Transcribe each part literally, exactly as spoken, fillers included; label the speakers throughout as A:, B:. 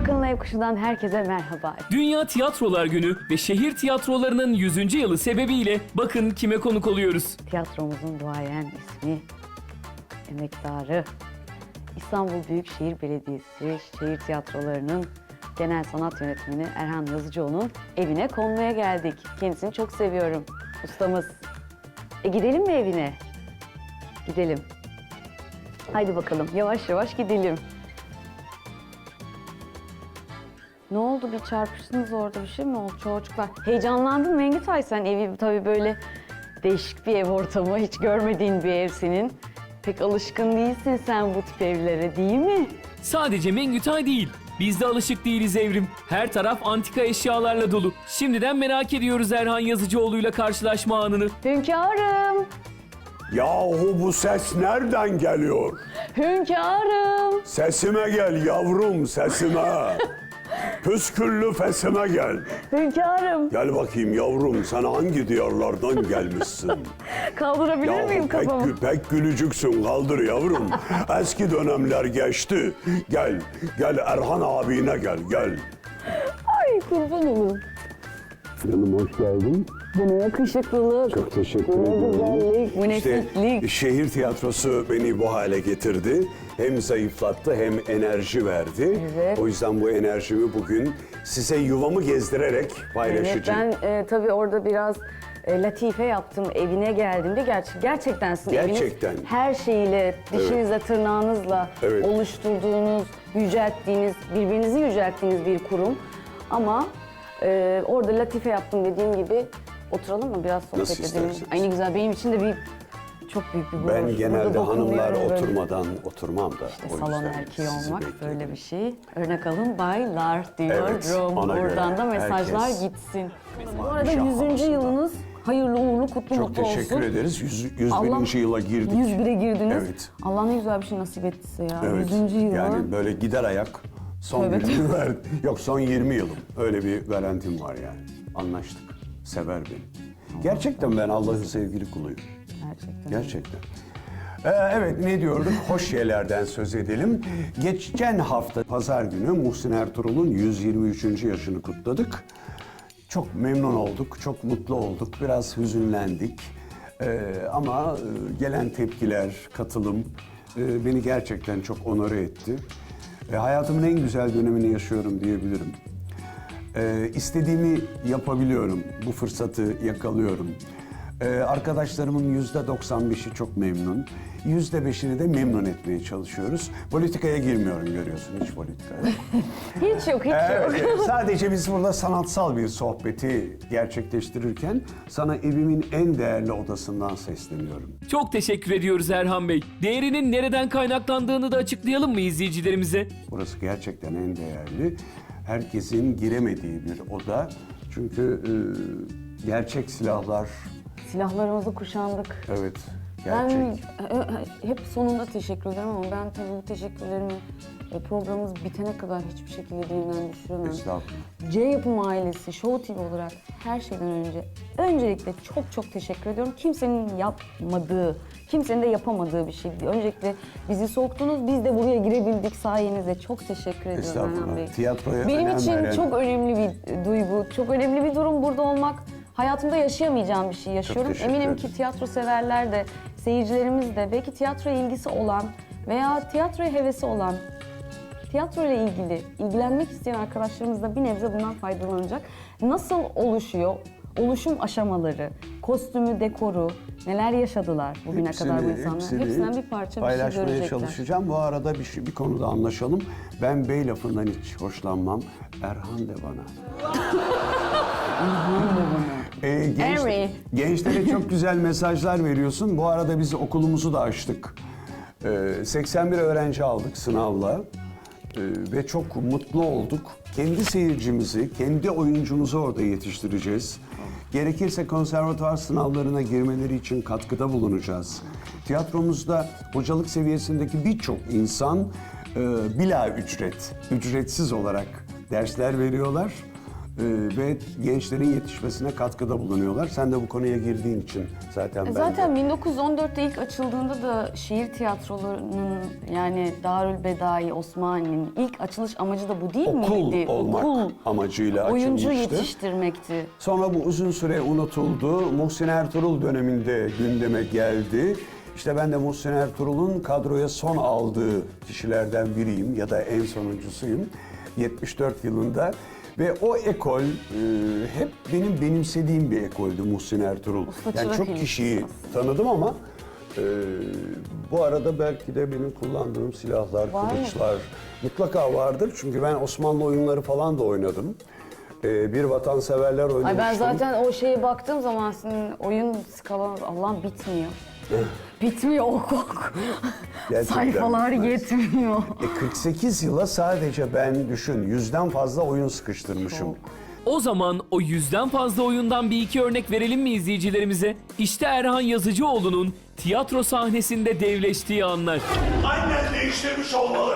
A: Akın'la Ev Kuşu'dan herkese merhaba.
B: Dünya Tiyatrolar Günü ve şehir tiyatrolarının yüzüncü yılı sebebiyle bakın kime konuk oluyoruz.
A: Tiyatromuzun duayen ismi, emektarı, İstanbul Büyükşehir Belediyesi Şehir Tiyatroları'nın genel sanat yönetmeni Erhan Yazıcıoğlu'nun evine konmaya geldik. Kendisini çok seviyorum, ustamız. E gidelim mi evine? Gidelim. Haydi bakalım, yavaş yavaş gidelim. Ne oldu, bir çarpıştınız orada, bir şey mi oldu çocuklar? Heyecanlandın mı Engitay sen? Evi tabii böyle değişik bir ev ortamı, hiç görmediğin bir ev senin. Pek alışkın değilsin sen bu tip evlere, değil mi?
B: Sadece Mengütay değil, biz de alışık değiliz Evrim. Her taraf antika eşyalarla dolu. Şimdiden merak ediyoruz Erhan Yazıcıoğlu'yla karşılaşma anını.
A: Hünkârım,
C: Yahu bu ses nereden geliyor?
A: hünkârım.
C: Sesime gel yavrum, sesime. Püsküllü fesime gel.
A: Hünkârım,
C: Gel bakayım yavrum, sen hangi diyarlardan gelmişsin?
A: kaldırabilir
C: Yahu
A: miyim
C: pek,
A: kafamı?
C: gü- pek gülücüksün, kaldır yavrum. Eski dönemler geçti. Gel, gel Erhan abine gel, gel.
A: Ay kurban olurum.
C: Canım hoş geldin.
A: Bu ne yakışıklılık,
C: Çok teşekkür
A: bu ne
C: ederim.
A: güzellik, bu ne
C: İşte
A: fitlik.
C: şehir tiyatrosu beni bu hale getirdi. Hem zayıflattı hem enerji verdi.
A: Evet.
C: O yüzden bu enerjimi bugün size yuvamı gezdirerek
A: Evet,
C: paylaşacağım.
A: ben e, tabii orada biraz e, latife yaptım. Evine geldiğimde ger- gerçekten sizin
C: Gerçekten.
A: eviniz her şeyiyle, dişinizle, tırnağınızla
C: Evet.
A: oluşturduğunuz, yücelttiğiniz, birbirinizi yücelttiğiniz bir kurum. Ama e, orada latife yaptım dediğim gibi, oturalım mı biraz sohbet
C: Nasıl
A: edelim?
C: isterseniz.
A: Ay ne güzel, benim için de bir çok büyük bir gurur.
C: Ben
A: Burada
C: genelde
A: dokunuyorum
C: hanımlar
A: böyle.
C: oturmadan oturmam da.
A: İşte
C: O
A: salon
C: yüzden
A: erkeği
C: sizi
A: olmak
C: bekliyorum.
A: böyle bir şey. Örnek alın baylar diyorum.
C: Evet, ona
A: Oradan
C: göre
A: da mesajlar
C: herkes-
A: gitsin. Bu arada
C: Şah
A: yüzüncü
C: havasında.
A: yılınız hayırlı uğurlu kutlu
C: Çok
A: mutlu olsun.
C: teşekkür ederiz. Yüz, yüz
A: Allah-
C: birinci yıla girdik.
A: yüz bire girdiniz.
C: Evet.
A: Allah ne güzel bir şey nasip ettiyse ya.
C: Evet.
A: yüzüncü yıla.
C: Yani böyle gider ayak son
A: Tövbe
C: yirmi verdi. Yok son yirmi yılım. Öyle bir garantim var yani. Anlaştık. Sever beni. Gerçekten ben Allah'ın sevgili kuluyum.
A: Gerçekten.
C: Gerçekten. Ee, evet ne diyorduk? Hoş şeylerden söz edelim. Geçen hafta pazar günü Muhsin Ertuğrul'un yüz yirmi üçüncü yaşını kutladık. Çok memnun olduk, çok mutlu olduk, biraz hüzünlendik. Ee, ama e, gelen tepkiler, katılım e, beni gerçekten çok onore etti. E, hayatımın en güzel dönemini yaşıyorum diyebilirim. E, istediğimi yapabiliyorum, bu fırsatı yakalıyorum. Ee, arkadaşlarımın yüzde doksan beşi çok memnun. Yüzde beşini de memnun etmeye çalışıyoruz. Politikaya girmiyorum görüyorsun, hiç politika yok.
A: Hiç yok, hiç
C: Evet,
A: yok.
C: sadece biz burada sanatsal bir sohbeti gerçekleştirirken sana evimin en değerli odasından sesleniyorum.
B: Çok teşekkür ediyoruz Erhan Bey. Değerinin nereden kaynaklandığını da açıklayalım mı izleyicilerimize?
C: Burası gerçekten en değerli. Herkesin giremediği bir oda. Çünkü e, gerçek silahlar,
A: Silahlarımızı kuşandık.
C: evet,
A: Ben
C: gerçek.
A: e, e, hep sonunda teşekkür ederim ama ben tabii bu teşekkürlerimi e, programımız bitene kadar hiçbir şekilde dilimden düşüremem.
C: Estağfurullah.
A: C Yapım ailesi, Show T V olarak her şeyden önce öncelikle çok çok teşekkür ediyorum. Kimsenin yapmadığı, kimsenin de yapamadığı bir şey. Öncelikle bizi soktunuz, biz de buraya girebildik sayenizde. Çok teşekkür ediyorum Erhan
C: Estağfurullah.
A: Bey.
C: Tiyatroya
A: Benim
C: önem
A: için
C: veren-
A: çok önemli bir duygu, çok önemli bir durum burada olmak. Hayatımda yaşayamayacağım bir şey yaşıyorum.
C: teşekkür
A: Eminim
C: ederim.
A: ki tiyatro severler de, seyircilerimiz de, belki tiyatroya ilgisi olan veya tiyatroya hevesi olan, tiyatro ile ilgili ilgilenmek isteyen arkadaşlarımız da bir nebze bundan faydalanacak. Nasıl oluşuyor? Oluşum aşamaları, kostümü, dekoru, neler yaşadılar bugüne kadar bu insanlar?
C: hepsini
A: Hepsinden bir parça bir şey
C: paylaşmaya
A: görecekler.
C: çalışacağım. Bu arada bir, şey, bir konuda anlaşalım. Ben bey lafından hiç hoşlanmam. Erhan de bana. Ee, genç-
A: Harry.
C: gençlere çok güzel mesajlar veriyorsun. Bu arada biz okulumuzu da açtık. Ee, seksen bir öğrenci aldık sınavla. Ee, ve çok mutlu olduk. Kendi seyircimizi, kendi oyuncumuzu orada yetiştireceğiz. Gerekirse konservatuvar sınavlarına girmeleri için katkıda bulunacağız. Tiyatromuzda hocalık seviyesindeki birçok insan e, bila ücret, ücretsiz olarak dersler veriyorlar. ve gençlerin yetişmesine katkıda bulunuyorlar. Sen de bu konuya girdiğin için zaten ben de-
A: Zaten bin dokuz yüz on dörtte ilk açıldığında da şehir tiyatrolarının yani Darülbedai Osmani'nin ilk açılış amacı da bu değil
C: okul
A: miydi?
C: olmak
A: Okul,
C: amacıyla
A: oyuncu
C: açılmıştı.
A: yetiştirmekti.
C: Sonra bu uzun süre unutuldu. Muhsin Ertuğrul döneminde gündeme geldi. İşte ben de Muhsin Ertuğrul'un kadroya son aldığı kişilerden biriyim ya da en sonuncusuyum. yetmiş dört yılında ve o ekol e, hep benim benimsediğim bir ekoldü Muhsin Ertuğrul.
A: Usta
C: Yani
A: çırak
C: çok
A: ilişkisi
C: kişiyi
A: aslında.
C: tanıdım ama e, bu arada belki de benim kullandığım silahlar,
A: Var mı?
C: kılıçlar mutlaka vardır. Çünkü ben Osmanlı oyunları falan da oynadım. E, bir vatanseverler oynamıştım.
A: Ay ben zaten o şeye baktığım zaman senin oyun skalan Allah'ım bitmiyor. Bitmiyor ok ok.
C: Gerçekten
A: Sayfalar
C: bitmez.
A: yetmiyor.
C: E, kırk sekiz yıla sadece ben düşün yüzden fazla oyun sıkıştırmışım.
A: Çok.
B: O zaman o yüzden fazla oyundan bir iki örnek verelim mi izleyicilerimize? İşte Erhan Yazıcıoğlu'nun tiyatro sahnesinde devleştiği anlar.
D: Annen değiştirmiş olmalı.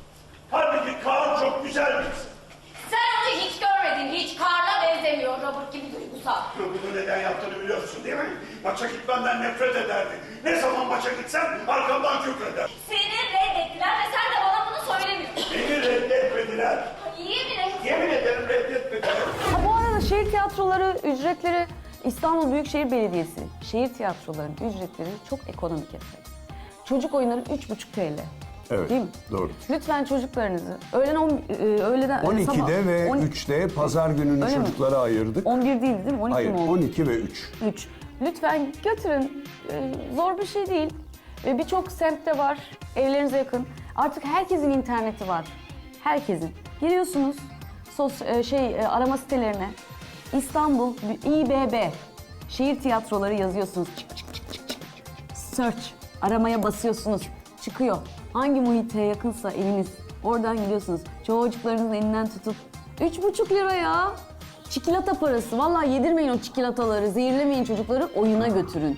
D: Halbuki Kaan çok güzel bir kız.
E: Sen onu hiç görmedin, hiç Karl'a benzemiyor, Robert gibi duygusal.
D: Bunu neden yaptığını biliyorsun değil mi? Maça gitmemden nefret ederdi. Ne zaman maça gitsem arkamdan kükreder.
E: Seni reddettiler ve sen de bana bunu söylemiyorsun.
D: Beni reddetmediler.
E: Yemin et.
D: Yemin ederim reddetmediler.
A: Ha, bu arada şehir tiyatroları ücretleri İstanbul Büyükşehir Belediyesi şehir tiyatrolarının ücretleri çok ekonomik efendim. Çocuk oyunları üç buçuk T L.
C: Evet,
A: Değil mi?
C: doğrudur.
A: Lütfen çocuklarınızı öğlen on, e, öğleden
C: on ikide
A: sabah-
C: ve
A: on-
C: üçte pazar gününü
A: Öyle mi?
C: çocuklara ayırdık.
A: on bir değil değil mi? on iki
C: Hayır,
A: mi oldu?
C: on iki ve üç.
A: üç. Lütfen götürün. Ee, zor bir şey değil. Ve birçok semtte var. Evlerinize yakın. Artık herkesin interneti var. Herkesin. Giriyorsunuz sos e, şey e, arama sitelerine. İstanbul İ B B şehir tiyatroları yazıyorsunuz. Çık çık çık çık çık. Search. Aramaya basıyorsunuz. Çıkıyor. Hangi muhite yakınsa eviniz. Oradan gidiyorsunuz. Çocuklarınızın elinden tutup üç buçuk lira ya. Çikolata parası. Vallahi yedirmeyin o çikolataları. Zehirlemeyin çocukları. Oyuna götürün.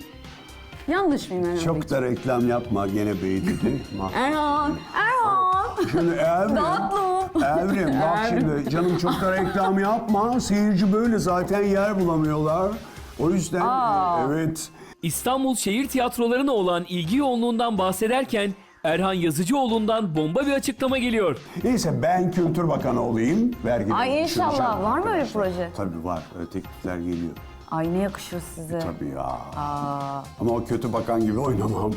A: Yanlış mıyım Erhan
C: Çok
A: Bey?
C: da reklam yapma gene bey dedi. Mah-
A: Erhan! Erhan!
C: Şimdi Evrim,
A: Tatlım.
C: Evrim bak şimdi canım çok da reklam yapma. Seyirci böyle zaten yer bulamıyorlar. O yüzden
A: Aa.
C: evet.
B: İstanbul şehir tiyatrolarına olan ilgi yoğunluğundan bahsederken Erhan Yazıcıoğlu'ndan bomba bir açıklama geliyor.
C: Neyse ben Kültür Bakanı olayım. Vergi
A: Ay inşallah.
C: düşüreceğim
A: Var mı öyle
C: arkadaşlar.
A: proje?
C: Tabii var. Öyle teklifler geliyor.
A: Ay ne yakışır size.
C: Tabii ya.
A: Aa,
C: Ama o kötü bakan gibi oynamam.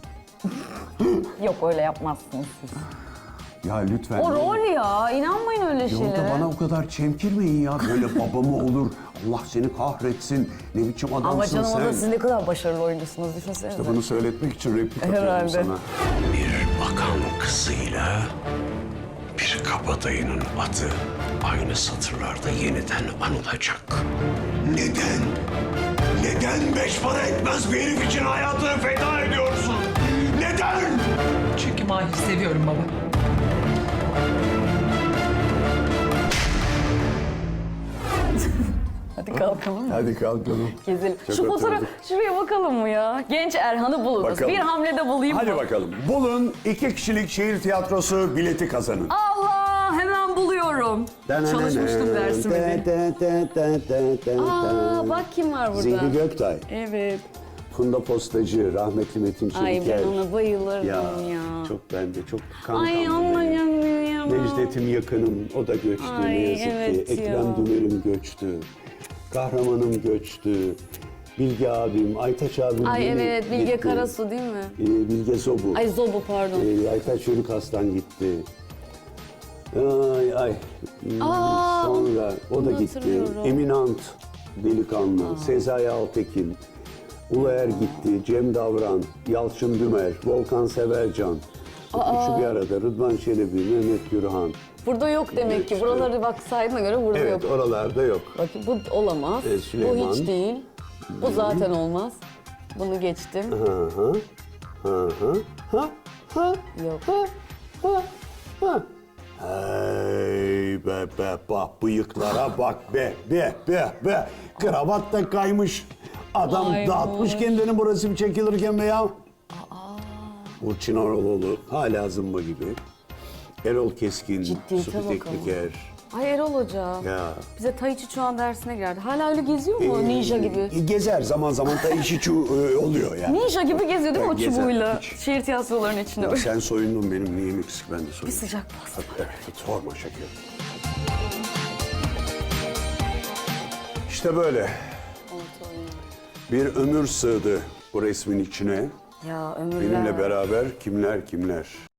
A: yok öyle yapmazsınız siz.
C: Ya lütfen.
A: O rol ya. İnanmayın öyle
C: Yolda
A: şeylere.
C: bana o kadar çemkirmeyin ya. Böyle baba mı olur? Allah seni kahretsin. Ne biçim adamsın
A: Ama canım
C: sen.
A: o da siz ne kadar başarılı oyuncusunuz düşünsenize.
C: Bunu söyletmek için replik atıyorum
A: Herhalde.
C: sana.
F: Bir bakan kızıyla bir kabadayının adı aynı satırlarda yeniden anılacak.
D: Neden? Neden beş para etmez bir herif için hayatını feda ediyorsun? Neden?
G: Çünkü Mahir'i seviyorum baba.
A: Hadi kalkalım mı?
C: Hadi kalkalım.
A: Gezelim.
C: Çok
A: Şu fotoğraf,
C: oturduk.
A: şuraya bakalım mı ya? Genç Erhan'ı buluruz.
C: Bakalım.
A: Bir hamlede bulayım
C: Hadi
A: mı?
C: bakalım. Bulun iki kişilik şehir tiyatrosu bileti kazanın.
A: Allah! Hemen buluyorum. Çalışmıştım dersimi diye. Aa, bak kim var burada.
C: Zihni Göktay,
A: Evet.
C: Funda Postacı, rahmetli Metin Çeliker.
A: Ay ben ona bayılırdım
C: Ya,
A: ya.
C: çok ben de çok kankam.
A: Ay
C: benim.
A: anlayamıyorum.
C: Necdet'im yakınım, o da göçtü
A: Ay,
C: ne yazık
A: evet
C: ki.
A: ya.
C: Ekrem Dümer'im göçtü. Kahramanım göçtü. Bilge abim, Aytaç abim
A: Ay
C: yeni
A: evet Bilge
C: gitti.
A: Karasu değil mi?
C: Ee, Bilge Zobu.
A: Ay Zobu pardon.
C: Ee, Aytaç Çocuk Aslan gitti. Ay ay. Hmm,
A: Aa,
C: Sonra o da
A: onu
C: gitti.
A: hatırlıyorum.
C: Eminant delikanlı, Sezai Altekin, Uluer gitti, Cem Davran, Yalçın Dümer, Volkan Severcan. Üçü bir arada. Rıdvan Çelebi, Mehmet Gürhan.
A: Burada yok demek ki. Buraları bak saydığına göre burada
C: Evet,
A: yok.
C: oralarda yok.
A: Bak bu olamaz.
C: Ee, Süleyman.
A: Bu hiç değil. Bu zaten olmaz. Bunu geçtim.
C: Hı hı. Hı hı. Ha ha.
A: Yok.
C: Ha ha ha. Hey be be bak bıyıklara bak be be be be. Kravat da kaymış. Adam
A: Ay
C: dağıtmış
A: boş.
C: kendini bu resim çekilirken be ya. Burçin Oraloğlu hala zımba gibi. Erol Keskin,
A: Ciddiyete
C: Sufi
A: bak ama.
C: Tekniker.
A: Ay Erol Hoca.
C: Ya.
A: Bize Tai Chi Chuan dersine girerdi. Hala öyle geziyor mu ninja gibi?
C: E, Gezer zaman zaman Tai Chi Chu e, oluyor yani.
A: Ninja gibi geziyor değil mi o
C: Gezer,
A: çubuğuyla?
C: hiç.
A: Şehir tiyatrolarının içinde
C: Ya
A: böyle.
C: sen soyundun benim neyim eksik ben de soyundum.
A: Bir sıcak bastı.
C: Evet, sorma şeker. İşte böyle. Bir ömür sığdı bu resmin içine.
A: Ya ömürler.
C: Benimle beraber kimler kimler.